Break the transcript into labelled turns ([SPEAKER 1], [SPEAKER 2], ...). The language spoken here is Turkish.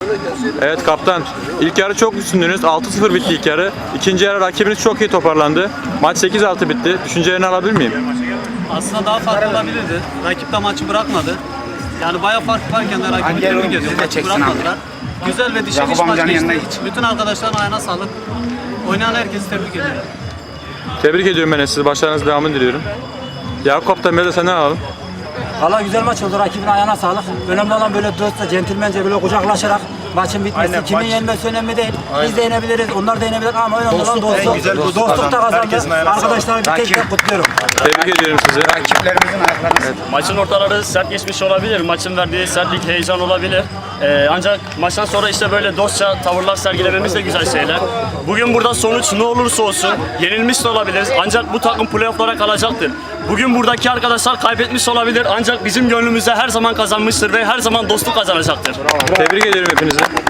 [SPEAKER 1] Evet kaptan, ilk yarı çok üstündünüz. 6-0 bitti ilk yarı. İkinci yarı rakibiniz çok iyi toparlandı. Maç 8-6 bitti. Düşüncelerini alabilir miyim?
[SPEAKER 2] Aslında daha farklı olabilirdi. Rakip de maçı bırakmadı. Yani bayağı fark varken de rakibi tebrik ediyorum. Maçı bırakmadılar. Güzel ve dişe diş maç geçti. Bütün arkadaşların ayağına sağlık. Oynayan herkesi tebrik ediyorum.
[SPEAKER 1] Tebrik ediyorum ben sizi. Başarınız devamını diliyorum. Yakup kaptan, biraz da senden alalım.
[SPEAKER 3] Valla güzel maç oldu. Rakibin ayağına sağlık. Önemli olan böyle dostça, centilmence böyle kucaklaşarak maçın bitmesi. Kimin yenmesi önemli değil. Biz de yenebiliriz, onlar da yenebilir ama önemli olan dostluk. Dostluk da kazandı. Arkadaşlar bir tek tek kutluyorum.
[SPEAKER 1] Tebrik ediyorum sizi.
[SPEAKER 4] Rakiplerimizin ayaklarını
[SPEAKER 5] Maçın ortaları sert geçmiş olabilir. Maçın verdiği sertlik, heyecan olabilir. Ancak maçtan sonra işte böyle dostça tavırlar sergilememiz de güzel şeyler. Bugün burada sonuç ne olursa olsun yenilmiş de olabiliriz. Ancak bu takım playoff'lara kalacaktır. Bugün buradaki arkadaşlar kaybetmiş olabilir. Ancak bizim gönlümüzde her zaman kazanmıştır ve her zaman dostluk kazanacaktır.
[SPEAKER 1] Tebrik ediyorum hepinizi.